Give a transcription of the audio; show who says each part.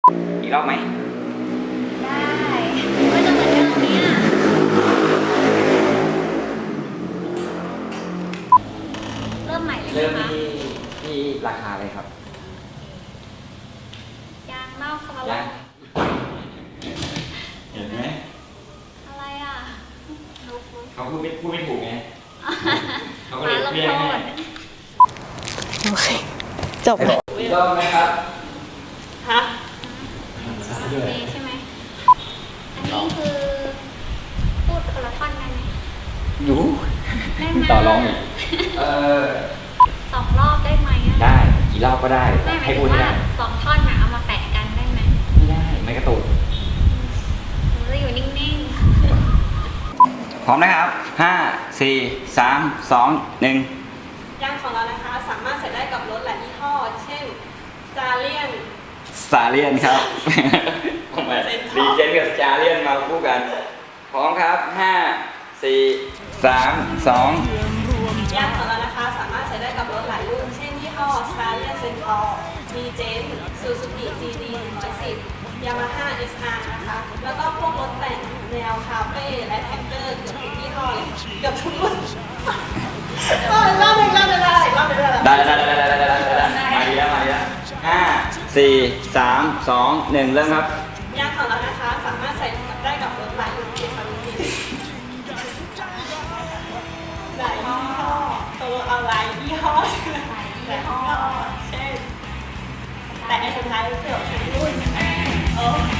Speaker 1: อีกรอบไหม
Speaker 2: ได้ก็จะเหมือนเดิมเนี่ยเริ่มใหม่เลย
Speaker 1: เริ่ม
Speaker 2: ไหมคะ
Speaker 1: ที่ราคาเลยครับ
Speaker 2: ยางนอกสมาร์
Speaker 1: ยัง
Speaker 2: ท
Speaker 1: เห็นไหม
Speaker 2: อะไรอ่ะ
Speaker 1: เขาพูดไม่ถูกไงเขาก็เล
Speaker 2: มาย ลง
Speaker 1: เรีย
Speaker 2: โท
Speaker 1: กให้
Speaker 2: ษ
Speaker 3: โอเค จบ
Speaker 1: อีกรอบไหมครับ
Speaker 3: ฮะ
Speaker 2: นี่ใช่ไหมอันนี้คือพูดคนละท่อนได้ไหม
Speaker 1: อยู่
Speaker 2: ได้ไหม
Speaker 1: ต่อรองอีก
Speaker 2: 2 รอบได้ไหมอะ
Speaker 1: ได้กี่รอบก็ได้
Speaker 2: ได้หมาย
Speaker 1: ให้
Speaker 2: ถึ
Speaker 1: พูด
Speaker 2: ง
Speaker 1: ให้
Speaker 2: ว่า
Speaker 1: ได้
Speaker 2: 2 ท่อนน่ะเอามาแปะกันได้ไหม
Speaker 1: ไม่ได้ไม่กระตุก
Speaker 2: หนูจะอยู่นิ่ง
Speaker 1: พร้อมนะครับ 5 4 3 2 1
Speaker 3: ยางของเรานะคะสามารถใส่ได้กับรถหลายยี่ห้อ เช่นจาเลียน
Speaker 1: สาเลียนครับผมมาดีเจนกับจาเลียนมาคู่กัน พร้อมครับ 5 4 3 2
Speaker 3: ยางของเรานะคะสามารถใช้ได้กับรถหลายรุ่น เช่นยี่ห้อสตาร์เลียนเซนทอร์มีเจนซูซูกิจีดี110ยามาฮ่า SR นะคะ แล้วก็พวกรถแต่งแนวคาเฟ่และแท็กเตอร์เกือบทุกยี่ห้อเลยเกือบทุกรุ่นรอบหนึ่งได้
Speaker 1: ได้มาดีแล้ว5 4 3 2 1 เริ่มครับ
Speaker 3: ยางของเรานะคะสามารถใส่ได้กับรถหลายรุ่นเช่นหลายยี่ห้อตัวเอาหลายยี่ห้อหลายยี่ห้อเช่นแต่ไอ้สุดท้ายเกือบทุกรุ่น